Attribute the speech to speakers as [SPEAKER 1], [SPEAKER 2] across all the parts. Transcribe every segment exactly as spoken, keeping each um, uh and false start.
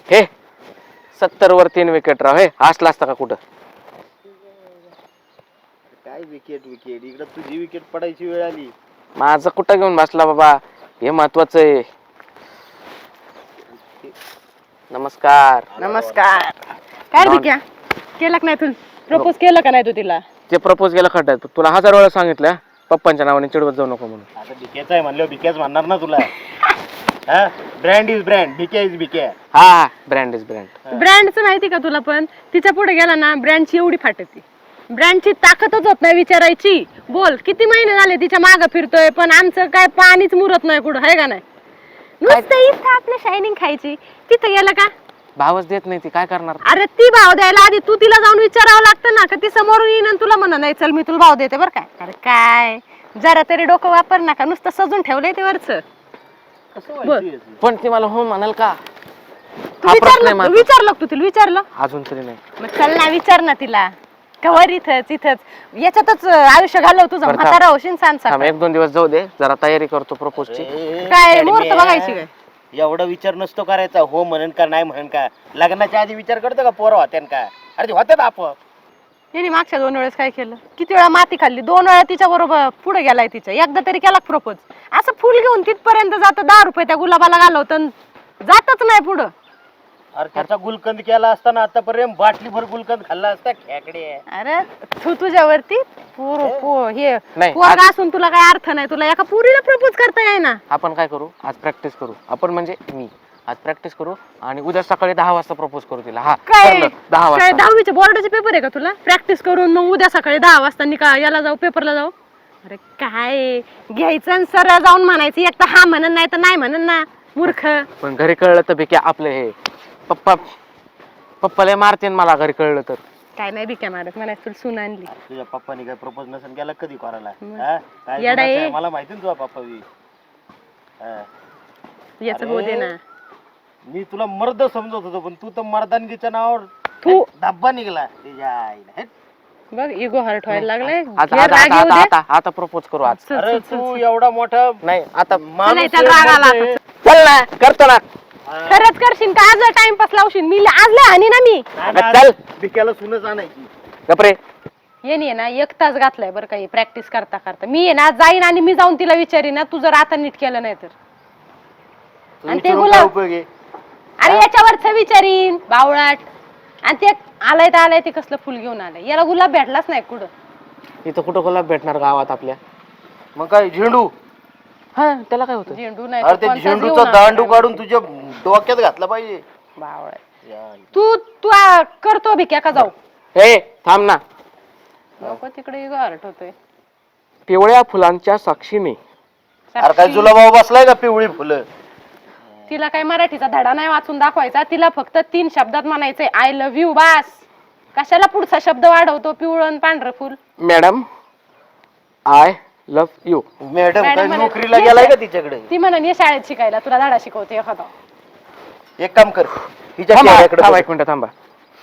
[SPEAKER 1] हे सत्तर वर तीन विकेट राव. हे असला असता का कुठं?
[SPEAKER 2] काय विकेट विकेट इकडे तुझी विकेट पडायची वेळ आली.
[SPEAKER 1] माझं कुठं घेऊन बसला बाबा, हे महत्वाचं आहे. नमस्कार.
[SPEAKER 3] नमस्कार. काय भिक्या केलं का नाही तू? प्रपोज केलं का नाही तू तिला?
[SPEAKER 1] ते प्रपोज केलं खड्ड्यात. तुला हजार वेळा सांगितलं पप्पांच्या नावाने चिडवत जाऊ नको म्हणून.
[SPEAKER 2] आता भिक्याच आहे म्हणलं भिक्याच म्हणणार ना तुला. हा brand is brand, Bhikya is Bhikya.
[SPEAKER 1] हा ब्रँड इज ब्रँड.
[SPEAKER 3] ब्रँडचं माहिती का तुला? पण तिच्या पुढे गेला ना ब्रँडची एवढी फाटती. ब्रँडची ताकदच होत नाही विचारायची. बोल किती महिने झाले तिच्या मागं फिरतोय पण आमचं काय पाणीच मुरत नाही कुठं, आहे का नाही? नुसतं इथं आपलं शायनिंग खायची, तिथं गेलं का
[SPEAKER 1] भावच देत नाही ती, काय करणार?
[SPEAKER 3] अरे ती भाव द्यायला आधी तू तिला जाऊन विचारावं लागतं ना, का ती समोरून येईन आणि तुला म्हणा नाही चल मी तुला भाव देते बरं काय. अरे काय जरा तरी डोकं वापर ना, का नुसतं सजून ठेवलंय ते वरचं.
[SPEAKER 1] पण ती मला हो म्हणाल का?
[SPEAKER 3] तू विचारलं विचारलं तू तिला विचारलं?
[SPEAKER 1] अजून तरी नाही.
[SPEAKER 3] मग चल ना विचार ना तिला. कवर इथंच इथंच याच्यातच आयुष्य घालव तुझं. म्हातारा होशील सांग.
[SPEAKER 1] एक दोन दिवस जाऊ दे, जरा तयारी करतो प्रपोजची.
[SPEAKER 3] काय मुहूर्त बघायची काय?
[SPEAKER 2] एवढा विचार नसतो करायचा. हो म्हणन का नाही म्हणन का. लग्नाच्या आधी विचार करतो का पोरं होत्यान का? अरे होत्यात आपण.
[SPEAKER 3] तिने मागच्या दोन वेळेस काय केलं? किती वेळा माती खाल्ली. दोन वेळा तिच्या बरोबर पुढे गेलाय तिच्या. एकदा तरी केला प्रपोज. असं फुल घेऊन तिथपर्यंत जात, दहा रुपये त्या गुलाबाला घालवत जातच नाही पुढं.
[SPEAKER 2] अरे त्याचा गुलकंद केला असताना आतापर्यंत बाटली भर गुलकंद खाल्ला असता. खेकडे.
[SPEAKER 3] अरे तू तुझ्यावरती पोर पो हे
[SPEAKER 1] नाही,
[SPEAKER 3] पोरगा असून तुला काय अर्थ नाही. तुला एका पुरीला प्रपोज करता येईना.
[SPEAKER 1] आपण काय करू, आज प्रॅक्टिस करू. आपण म्हणजे मी आज प्रॅक्टिस करू आणि उद्या सकाळी दहा वाजता प्रपोज करू तिला. हा
[SPEAKER 3] काय
[SPEAKER 1] ठरलं, दहा
[SPEAKER 3] काय
[SPEAKER 1] वाजता.
[SPEAKER 3] दहावीचे बोर्डाचे पेपर आहे का तुला? प्रॅक्टिस करून मग उद्या सकाळी दहा वाजता निका याला जाऊ पेपरला जाऊ. अरे काय घ्यायचं आणि सरळ जाऊन म्हणायचं. एक तर हा म्हणन नाही तर नाही म्हणन ना मूर्ख.
[SPEAKER 1] पण घरी कळलं तर बेक्या आपलं हे पप्पा पप्पाला मारते मला घरी कळलं तर.
[SPEAKER 3] काय नाही बिक्या मारत म्हणायचं तुला सून आणली.
[SPEAKER 2] तुझ्या पप्पानी काय प्रपोज नसेल केला कधी करायला?
[SPEAKER 3] मग.
[SPEAKER 2] हा? काय
[SPEAKER 3] येडा आहे.
[SPEAKER 2] गुणाचं आहे? मला माहिती ना तुझा पप्पा बी. हा.
[SPEAKER 3] याच होऊ दे ना.
[SPEAKER 2] मी तुला मर्द समजत होतो पण तू तर मर्दानगीच्या नावावर
[SPEAKER 3] तू
[SPEAKER 2] धब्बा निघाला. तुझ्या आईला. हेट.
[SPEAKER 3] बघ इगो हर्ट व्हायला लागलाय.
[SPEAKER 1] आता
[SPEAKER 3] घे,
[SPEAKER 1] आता
[SPEAKER 3] राग
[SPEAKER 1] आता
[SPEAKER 3] येऊ दे.
[SPEAKER 1] आता आता प्रपोज करू आज.
[SPEAKER 3] चल,
[SPEAKER 2] अरे
[SPEAKER 3] चल, चल,
[SPEAKER 2] तू
[SPEAKER 3] चल.
[SPEAKER 2] एवढा मोठा
[SPEAKER 1] नाही आता
[SPEAKER 2] माणूस
[SPEAKER 3] नाही, त्याला राग आला
[SPEAKER 2] आहे.
[SPEAKER 3] आता.
[SPEAKER 1] चल ना, करतो ना.
[SPEAKER 3] खरंच करशील का? आज टाइमपास लावशील. मी आज लय हानी ना मी.
[SPEAKER 2] नाही ना,
[SPEAKER 1] चल.
[SPEAKER 2] भिक्याला सुनच आणायची.
[SPEAKER 1] गपरे.
[SPEAKER 3] ये नाही ना एक तास घातलाय बरं काही प्रॅक्टिस करता करता. मी आहे ना जाईन आणि मी जाऊन तिला विचारीन ना तू जर आता नीट केलं नाही तर.
[SPEAKER 2] तू
[SPEAKER 3] आणि ते
[SPEAKER 2] विचारून
[SPEAKER 3] गुलाब-
[SPEAKER 2] काय उपयोग आहे?
[SPEAKER 3] अरे याच्यावरच विचारीन बावळाट. आणि ते आलाय तर आलाय ते कसलं फुल घेऊन आलंय. याला गुलाब भेटलाच नाही कुठं.
[SPEAKER 1] इथं कुठं गुलाब भेटणार गावात आपल्या?
[SPEAKER 2] मग काय झेंडू?
[SPEAKER 1] हा त्याला काय होतं?
[SPEAKER 3] झेंडू नाही
[SPEAKER 2] अरे
[SPEAKER 3] तर
[SPEAKER 2] ते
[SPEAKER 3] कोणताच
[SPEAKER 2] झेंडूचा
[SPEAKER 3] घेऊन
[SPEAKER 2] दांडू
[SPEAKER 3] आला
[SPEAKER 2] काढून तुझ्या डोक्यात घातला पाहिजे.
[SPEAKER 3] बावळाट.
[SPEAKER 2] या.
[SPEAKER 3] तू तू आ, करतो भिक्या का जाऊ?
[SPEAKER 1] हे थांब ना.
[SPEAKER 3] लोक तिकडे इगो हर्ट होतोय.
[SPEAKER 1] पिवळ्या फुलांच्या साक्षीने.
[SPEAKER 2] अरे काय तुला भाऊ बसलाय का पिवळी फुलं?
[SPEAKER 3] तिला काय मराठीचा धडा नाही वाचून दाखवायचा. तिला फक्त तीन शब्दात म्हणायचंय आय लव्ह यू बास. कशाला पुढचा शब्द वाढवतो? पिवळं पांढरं फुल.
[SPEAKER 1] Madam I love you.
[SPEAKER 2] Madam
[SPEAKER 3] madam
[SPEAKER 2] काय
[SPEAKER 3] म्हणे,
[SPEAKER 2] नोकरीला
[SPEAKER 3] ये
[SPEAKER 2] गेलाय
[SPEAKER 3] सर.
[SPEAKER 2] का तिच्याकडे?
[SPEAKER 3] ती म्हणून ये शाळेत शिकायला तुला धडा शिकवते एखादा.
[SPEAKER 2] एक काम कर हिच्या
[SPEAKER 1] थांबा
[SPEAKER 2] चेहऱ्याकडे
[SPEAKER 1] थांबा,
[SPEAKER 2] बघ.
[SPEAKER 1] एक मिनिट थांबा.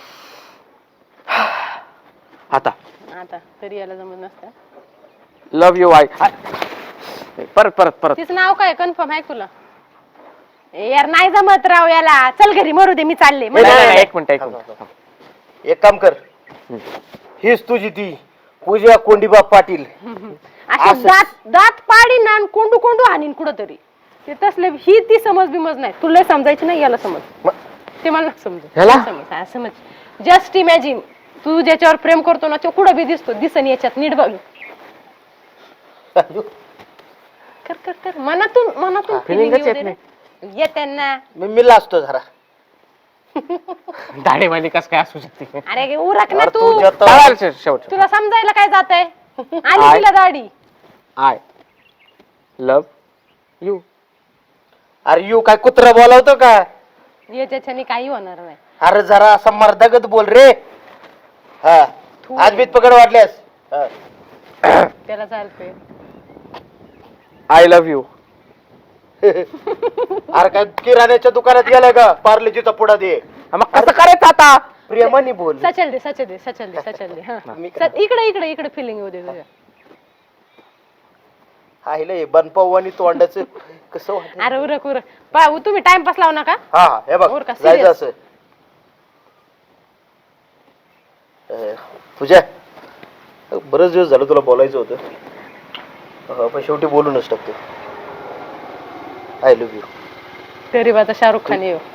[SPEAKER 1] आता
[SPEAKER 3] आता तरी याला जमत नसतं.
[SPEAKER 1] Love you I. परत परत परत.
[SPEAKER 3] तिचं नाव काय कन्फर्म आहे तुला? ए यार नाही जमत राव याला. चल घरी मरू दे मी चालले.
[SPEAKER 1] नाही, नाही, नाही, एक मिनिट एक मिनिट.
[SPEAKER 2] एक काम कर हीच तुझी ती पूजा कोंडीबा पाटील.
[SPEAKER 3] अशी दात दात पाडीन आणि कोंडू कोंडू हाणीन कुठं तरी. ते तसले ही ती समज बिमज नाही. तुला समजायची नाही याला समज. ते मला समज
[SPEAKER 1] ह्याला?
[SPEAKER 3] समज हा, समज. जस्ट इमॅजिन तू ज्याच्यावर प्रेम करतो ना तो कुठं बी दिसतो. दिसन याच्यात नीट बघ. कर कर कर मनातून मनातून
[SPEAKER 1] feeling
[SPEAKER 3] feeling
[SPEAKER 1] च येत
[SPEAKER 3] येऊ दे रे. येत्यांना.
[SPEAKER 2] मी मी लाजतो जरा.
[SPEAKER 1] दाढीवाली कस काय असू शकते?
[SPEAKER 3] अरे उरक ना
[SPEAKER 2] अरे
[SPEAKER 3] तू.
[SPEAKER 2] तुझ्या तर-
[SPEAKER 1] चालेल, शेव- शेवट
[SPEAKER 3] तुला समजायला काय जात आहे? आली
[SPEAKER 1] आय.
[SPEAKER 3] तिला दाढी.
[SPEAKER 1] I love you.
[SPEAKER 2] अरे यू काय कुत्रा बोलावतो का?
[SPEAKER 3] याच्याने काही होणार नाही.
[SPEAKER 2] अरे जरा असा मर्दागत बोल रे. हा आज बीत पकड वाटल्यास. हा.
[SPEAKER 3] त्याला चालतंय.
[SPEAKER 1] I love you.
[SPEAKER 2] अरे काय किराण्याच्या दुकानात गेलाय का? पार्लेजीचा पुडा दे.
[SPEAKER 1] मग कसं करायचं आता?
[SPEAKER 2] प्रेमाने बोल.
[SPEAKER 3] सचल दे सचल दे सचल दे सचल दे. हा
[SPEAKER 2] मी-
[SPEAKER 3] स- इकडे इकडे इकडे फिलिंग येऊ दे तुझ्या.
[SPEAKER 2] हायला हे बनपाव आणि तोंडाचं कसं वाटलं?
[SPEAKER 3] अरे उरक उरक पा तुम्ही टाइमपास लावू नका.
[SPEAKER 2] हा हा हे बघ
[SPEAKER 3] बरं का,
[SPEAKER 2] जायचं
[SPEAKER 3] serious?
[SPEAKER 2] असं अं, तुझ्या बरेच दिवस झालं तुला बोलायचं होतं अं, पण शेवटी बोलूनच टाकतो. I love you.
[SPEAKER 3] गरीबाचा शाहरुख खान येऊ.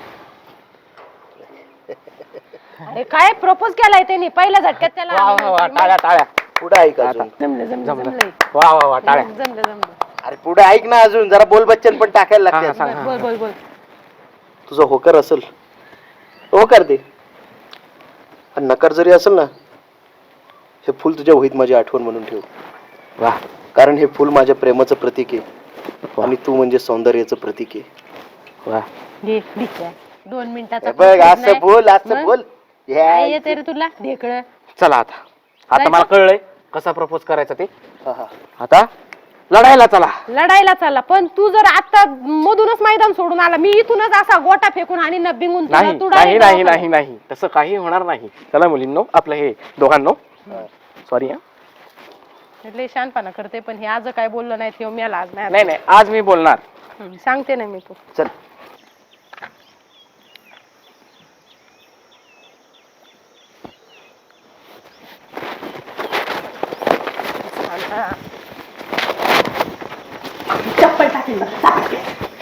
[SPEAKER 3] अरे काय प्रपोज केलाय त्यांनी पहिल्या झटक्यात त्याला.
[SPEAKER 1] वा वा वा टाळ्या टाळ्या
[SPEAKER 2] पुढे ऐक अजून.
[SPEAKER 3] जमलं जमलं
[SPEAKER 1] जमलं.
[SPEAKER 3] जमलंय.
[SPEAKER 1] वा वा वा टाळ्या.
[SPEAKER 3] जमलं जमलं.
[SPEAKER 2] अरे पुढे ऐक ना अजून जरा बोल बच्चन पण टाकायला
[SPEAKER 1] हा, हा,
[SPEAKER 2] लागते.
[SPEAKER 1] सांग.
[SPEAKER 3] बोल बोल बोल.
[SPEAKER 2] तुझा होकार असेल होकार दे आणि नकार जरी असेल ना हे फुल तुझ्या वहीत माझी आठवण म्हणून ठेव.
[SPEAKER 1] वा
[SPEAKER 2] कारण हे फुल माझ्या प्रेमाचं प्रतीक आहे आणि तू म्हणजे सौंदर्याचं प्रतीक आहे.
[SPEAKER 1] वा
[SPEAKER 3] घे ठीक आहे. दोन मिनिटाचा
[SPEAKER 2] हे बघ
[SPEAKER 3] propose
[SPEAKER 2] असं
[SPEAKER 3] नाही.
[SPEAKER 2] बोल असं
[SPEAKER 3] मग?
[SPEAKER 2] बोल
[SPEAKER 3] काय येते रे तुला ढेकळं.
[SPEAKER 1] चला आता आता
[SPEAKER 3] जायचं?
[SPEAKER 1] मला कळलंय कसा प्रपोज करायचा ते.
[SPEAKER 2] हा, हा.
[SPEAKER 1] आता लढायला चला.
[SPEAKER 3] लढायला चालला पण तू जर आता मधूनच मैदान सोडून आला मी इथूनच असा गोटा फेकून आणि न बिंगून तुला
[SPEAKER 1] नाही
[SPEAKER 3] तू
[SPEAKER 1] नाही
[SPEAKER 3] direct
[SPEAKER 1] नाही
[SPEAKER 3] दवाखान्यात.
[SPEAKER 1] नाही नाही तसं काही होणार नाही. चला मुलींनो आपलं हे दोघांनो सॉरी हा
[SPEAKER 3] लय शहाणपणा करते पण हे आज काय बोललं नाही ते मी आज नाही
[SPEAKER 1] नाही नाही आज मी बोलणार.
[SPEAKER 3] हम्म, सांगते ना मी तू.
[SPEAKER 2] चल
[SPEAKER 3] चप्पल टाकेल बघ, टाकेल.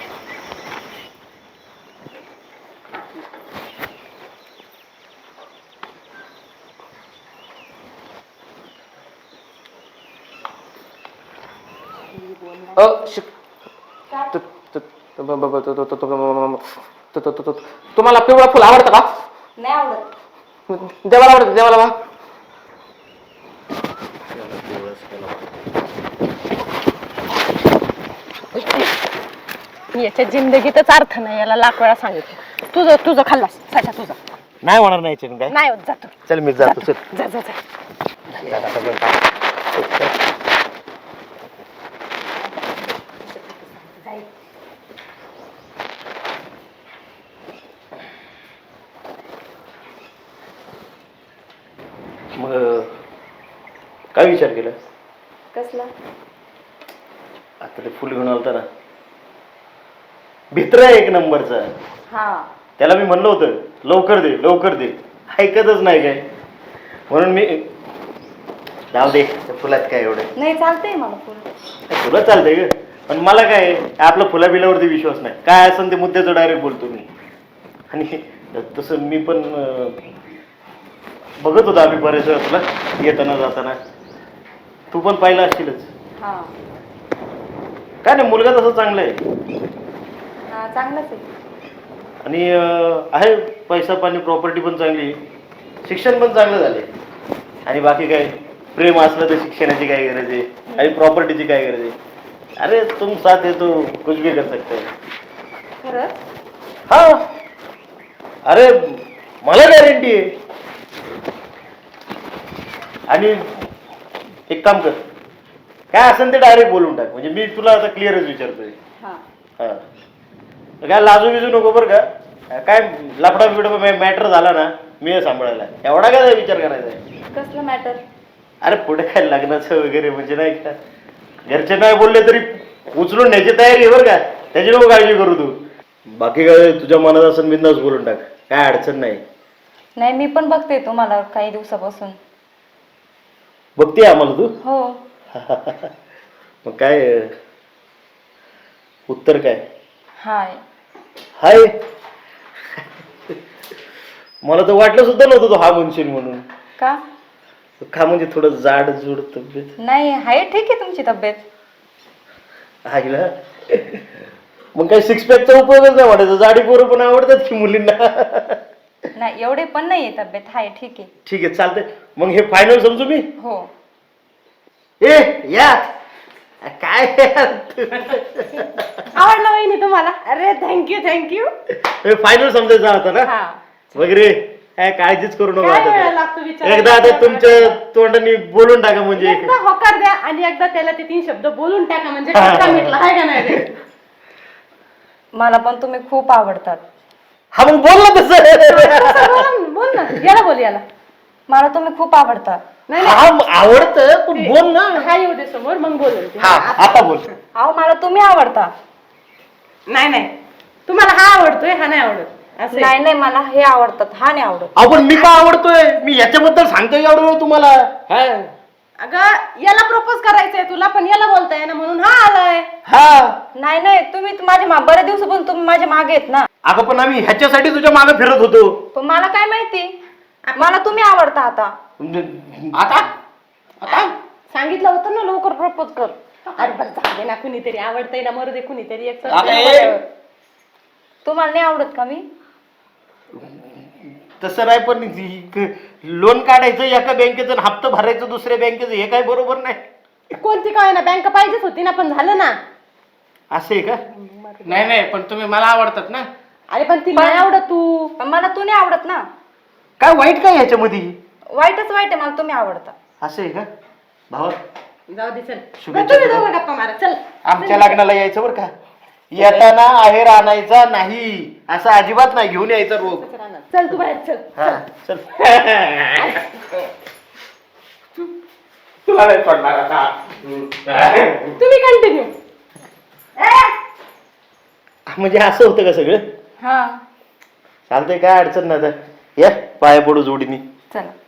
[SPEAKER 1] अ शिक तु- तु- तु- ब- ब- ब- तु- तु- तु- तु- तु- तु- तु- तु- तुम्हाला पिवळं फुल आवडतं का?
[SPEAKER 4] नाही आवडत.
[SPEAKER 1] देवाला आवडतं देवाला वा
[SPEAKER 3] याच्या जिंदगीतच अर्थ नाही याला लाख वेळा सांगितलं. तुझं तुझं खाल्लास साठा तुझं
[SPEAKER 2] नाही होणार नाही चिकन काय
[SPEAKER 3] नाही होत जातो
[SPEAKER 2] चल मी जातो चल
[SPEAKER 3] जा जा जा.
[SPEAKER 2] मग काय विचार केला
[SPEAKER 4] कसला?
[SPEAKER 2] आता ते फुल घेऊन आलता ना भित्र आहे एक नंबरचा.
[SPEAKER 4] हा
[SPEAKER 2] त्याला मी म्हणलं होतं लवकर दे लवकर दे ऐकतच नाही काय म्हणून मी जाऊ दे त्या फुलात काय एवढं
[SPEAKER 4] नाही चालतंय मला फुल.
[SPEAKER 2] तुला चालतंय ग पण मला काय आपला फुला बिलावरती विश्वास नाही काय असेल ते मुद्द्याचं डायरेक्ट बोलतो मी. आणि तसं मी पण अं, बघत होतो आम्ही बरेच वेळा तुला येताना जाताना तू पण पाहिलं असशीलच.
[SPEAKER 4] हा
[SPEAKER 2] काय नाही मुलगा तसं चांगला आहे
[SPEAKER 4] हा चांगलंच आहे.
[SPEAKER 2] आणि अं, आहे पैसा पाणी प्रॉपर्टी पण चांगली शिक्षण पण चांगलं झाले आणि बाकी काय प्रेम असलं तर शिक्षणाची काय गरज आहे आणि प्रॉपर्टीची काय गरज आहे. अरे तुम साथ है तो कुछ भी कर सकते हैं.
[SPEAKER 4] खरंच?
[SPEAKER 2] हा अरे मला गॅरंटी आहे. आणि एक काम कर काय असेल ते डायरेक्ट बोलून टाक म्हणजे मी तुला आता क्लिअरच विचारतोय.
[SPEAKER 4] हा
[SPEAKER 2] हा काय लाजू बिजू नको बरं का काय लफडा बिफडा मॅटर झाला ना मी हे सांभाळायला एवढा काय विचार करायचा आहे.
[SPEAKER 4] कसलं मॅटर?
[SPEAKER 2] अरे पुढे काय लग्नाचं वगैरे म्हणजे नाही का घरचे नाही बोलले तरी उचलून न्यायची तयारी आहे बरं का त्याची नको काळजी करू तू. बाकी काय तुझ्या मनात असं बिंदास बोलून टाक काय अडचण नाही.
[SPEAKER 4] नाही मी पण बघते तुम्हाला काही दिवसापासून.
[SPEAKER 2] बघते आम्हाला तू
[SPEAKER 4] हो.
[SPEAKER 2] मग काय उत्तर काय
[SPEAKER 4] हाय.
[SPEAKER 2] हाय मला तर वाटलं सुद्धा नव्हतं तो हा म्हणशील म्हणून.
[SPEAKER 4] का?
[SPEAKER 2] का म्हणजे थोडं जाड जुड तब्येत
[SPEAKER 4] नाही हाय ठीक आहे तुमची तब्येत.
[SPEAKER 2] आईला मग काय सिक्स पॅकचा उपयोगच नाही वाटायचा जाडी पोरं पण आवडतात की मुलींना.
[SPEAKER 4] नाही एवढे पण नाहीये तब्येत हाय ठीक आहे.
[SPEAKER 2] ठीक आहे चालतंय मग हे फायनल समजू मी.
[SPEAKER 4] हो.
[SPEAKER 2] ए या काय
[SPEAKER 3] आवडलं वहिनी तुम्हाला? अरे थँक्यू थँक्यू.
[SPEAKER 2] फायनल समजायचं आता ना
[SPEAKER 3] हा
[SPEAKER 2] वगैरे काय काळजीच करू नका
[SPEAKER 3] काय
[SPEAKER 2] आता
[SPEAKER 3] वेळ
[SPEAKER 2] ते.
[SPEAKER 3] लागतो विचारायला?
[SPEAKER 2] एकदा आता तुमच्या तोंडाने बोलून टाका म्हणजे
[SPEAKER 3] एकदा होकार द्या आणि एकदा त्याला ते तीन शब्द बोलून टाका म्हणजे
[SPEAKER 2] हा.
[SPEAKER 3] खटका मिटला आहे का नाही रे?
[SPEAKER 4] मला पण तुम्ही खूप आवडतात.
[SPEAKER 2] हा मग बोल ना तसं.
[SPEAKER 3] असं बोल बोल ना याला बोल याला.
[SPEAKER 4] मला तुम्ही खूप आवडतात.
[SPEAKER 3] नाही
[SPEAKER 2] हा आवडतं पण बोल ना.
[SPEAKER 3] हा येऊ दे समोर मग बोलेल ती.
[SPEAKER 2] हा आता बोल.
[SPEAKER 4] अहो मला तुम्ही आवडता.
[SPEAKER 3] नाही नाही तुम्हाला हा आवडतोय हा नाही आवडत असं आहे.
[SPEAKER 4] नाही नाही मला हे आवडतात, हा नाही आवडत.
[SPEAKER 2] आपण मी का आवडतोय मी याच्याबद्दल सांगतोय एवढं वेळ तुम्हाला.
[SPEAKER 1] हा
[SPEAKER 3] अगं याला प्रपोज करायचंय तुला पण याला बोलताय ना म्हणून हा आलाय.
[SPEAKER 2] हा
[SPEAKER 4] नाही नाही तुम्ही तर माझ्या मा- बऱ्याच दिवसापासून तुम्ही माझ्या मागे आहेत ना.
[SPEAKER 2] अगं पण आम्ही ह्याच्यासाठी तुझ्या मागे फिरत होतो.
[SPEAKER 4] पण मला काय माहिती, मला तुम्ही आवडता आता.
[SPEAKER 1] आता आता
[SPEAKER 3] सांगितलं होतं ना लवकर प्रपोज कर. अरे बरं जाऊ दे ना कुणीतरी आवडतंय ना मरू दे कुणीतरी एक तर
[SPEAKER 1] आता
[SPEAKER 3] तुला
[SPEAKER 1] हे-
[SPEAKER 3] बरं.
[SPEAKER 4] तुम्हाला नाही आवडत का मी?
[SPEAKER 2] तसं नाही पण लोन काढायचं एका बँकेचं आणि हप्ता भरायचं दुसऱ्या बँकेचं हे काय बरोबर नाही.
[SPEAKER 3] कोणती काय ना बँक पाहिजेच होती ना पण झालं ना.
[SPEAKER 2] असं आहे का?
[SPEAKER 1] नाही नाही पण तुम्ही मला आवडतात ना.
[SPEAKER 3] अरे पण ती नाही आवडत तू.
[SPEAKER 4] पण मला तू नाही आवडत ना.
[SPEAKER 2] काय वाईट काय ह्याच्यामध्ये?
[SPEAKER 4] वाईटच वाईट आहे, मला तुम्ही आवडता.
[SPEAKER 2] असं आहे का भावा?
[SPEAKER 3] जाऊ दे चल.
[SPEAKER 2] शुभेच्छा
[SPEAKER 3] तुम्ही
[SPEAKER 2] तुला.
[SPEAKER 3] दोघं गप्पा मारा चल.
[SPEAKER 2] आमच्या लग्नाला यायचं बरं का? येताना आहेर आणायचा नाही असं अजिबात नाही, घेऊन यायचं रोग.
[SPEAKER 3] चल तू बाहेर चल.
[SPEAKER 2] हा चल.
[SPEAKER 1] तुला नाही पडणार आता.
[SPEAKER 3] तुम्ही कंटिन्यू.
[SPEAKER 2] म्हणजे असं होतं का सगळं?
[SPEAKER 4] हा
[SPEAKER 2] चालतंय, काय अडचण नाही. आता या पाया पडू जोडीनी.
[SPEAKER 4] चला.